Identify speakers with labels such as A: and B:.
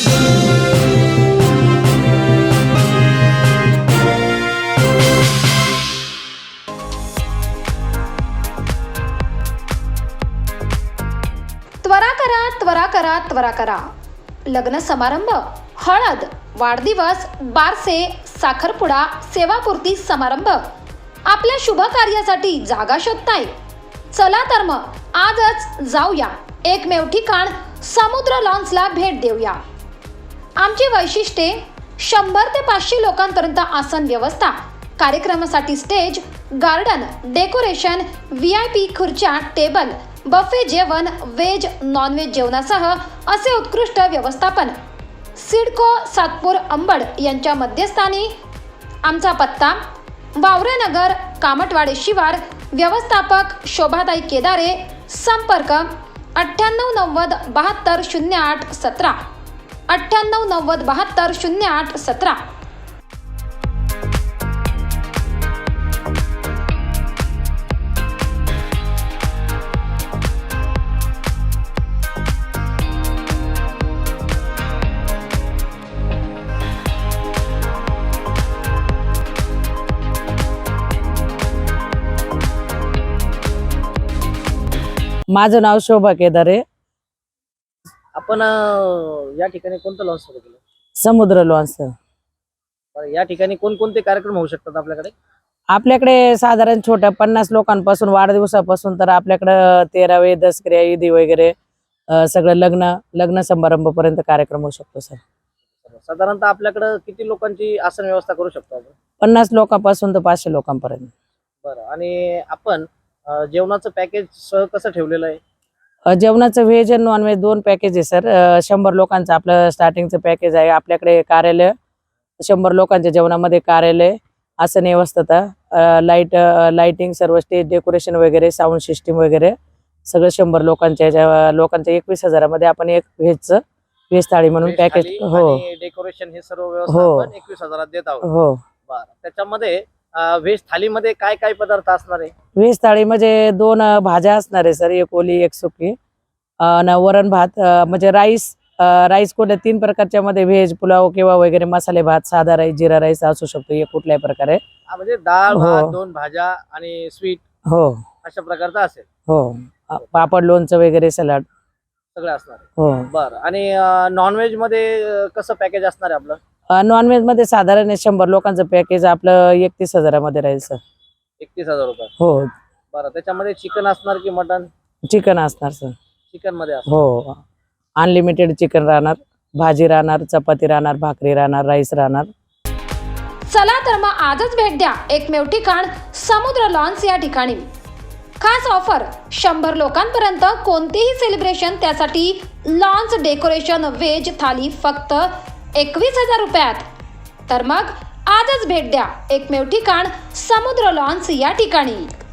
A: त्वरा करा, त्वरा करा, त्वरा करा. लग्न समारंभ, हळद, वाढदिवस, बारसे, साखरपुडा, सेवापूर्ती समारंभ, आपल्या शुभ कार्यासाठी जागा शोधताय? चला तर मग आजच जाऊया एकमेव ठिकाण समुद्र लॉन्सला भेट देऊया. आमची वैशिष्ट्ये 100 ते 500 लोकांपर्यंत आसन व्यवस्था, कार्यक्रमासाठी स्टेज, गार्डन, डेकोरेशन, VIP खुर्च्या, टेबल, बफे जेवण, व्हेज नॉनव्हेज जेवणासह असे उत्कृष्ट व्यवस्थापन. सिडको सातपूर अंबड यांच्या मध्यस्थानी. आमचा पत्ता वावरेनगर, कामटवाडे शिवार. व्यवस्थापक शोभाताई केदारे. संपर्क 9890 72 08 17 9890 72 08 17.
B: माझं नाव शोभा केदारे.
C: आपण या ठिकाणी कोणतं लॉन्च सुरू केलं?
B: समुद्र लॉन्स.
C: या ठिकाणी कोणकोणते कार्यक्रम होऊ शकतात आपल्याकडे?
B: आपल्याकडे साधारण छोट्या 50 लोकांपासून वाढदिवसापासून तर आपल्याकडे 13वे दसऱ्या ईदी वगैरे सगळं लग्न समारंभ पर्यंत कार्यक्रम होऊ शकतो सर.
C: साधारणतः आपल्याकडे किती लोकांची आसन व्यवस्था करू शकतो आपण?
B: 50 लोकांपासून तर 500 लोकांपर्यंत.
C: बरं. आणि आपण जेवणाचं पॅकेज सह कसं ठेवलेलं आहे?
B: जेवणाचं व्हेज आणि नॉनव्हेज 2 पॅकेज आहे सर. 100 लोकांचं आपलं स्टार्टिंगचं पॅकेज आहे. आपल्याकडे कार्यालय, 100 लोकांच्या जेवणामध्ये कार्यालय, आसन व्यवस्था, लाइटिंग, सर्व स्टेज डेकोरेशन वगैरे, साऊंड सिस्टीम वगैरे सगळं 100 लोकांच्या 21,000 मध्ये आपण एक व्हेज थाळी म्हणून पॅकेज. हो,
C: डेकोरेशन हे सर्व व्यवस्था आपण 21,000 देत आहोत.
B: हो.
C: बरं. त्याच्यामध्ये व्हेज थालीमध्ये काय काय पदार्थ असणार आहे?
B: व्हेज थाळीमध्ये 2 भाज्या असणार आहे सर, एक ओली एक सुकी, वरण भात, म्हणजे राईस कुठल्या 3 प्रकारच्या मध्ये, व्हेज पुलाव किंवा वगैरे मसाले भात, साधा राईस, जिरा राईस असू शकतो, एक कुठल्याही प्रकारे.
C: म्हणजे डाळ, भात, 2 भाज्या आणि स्वीट,
B: हो, अशा
C: प्रकारचा असेल.
B: हो. पापड, लोणचं वगैरे, सलाड
C: सगळं असणार आहे.
B: हो.
C: बरं. आणि नॉनव्हेज मध्ये कसं पॅकेज असणार आहे आपलं?
B: नॉनव्हेज मध्ये साधारण 100 लोकांचं पॅकेज आपलं 31,000 मध्ये राहील सर.
C: 31,000 रुपये.
B: हो.
C: बरं. त्याच्यामध्ये चिकन असणार की मटन?
B: चिकन असणार सर.
C: चिकन मध्ये असणार.
B: हो. अनलिमिटेड चिकन राहणार, भाजी राहणार, चपाती राहणार, भाकरी राहणार, राईस राहणार.
A: चला तर मग आजच भेट द्या एकमेव ठिकाण समुद्र लॉन्स या ठिकाणी. खास ऑफर 100 लोकांपर्यंत कोणतेही सेलिब्रेशन, त्यासाठी लॉन्स डेकोरेशन व्हेज थाली फक्त 21,000 रुपयात. तर मग आजच भेट द्या एकमेव ठिकाण समुद्र लॉन्स या ठिकाणी.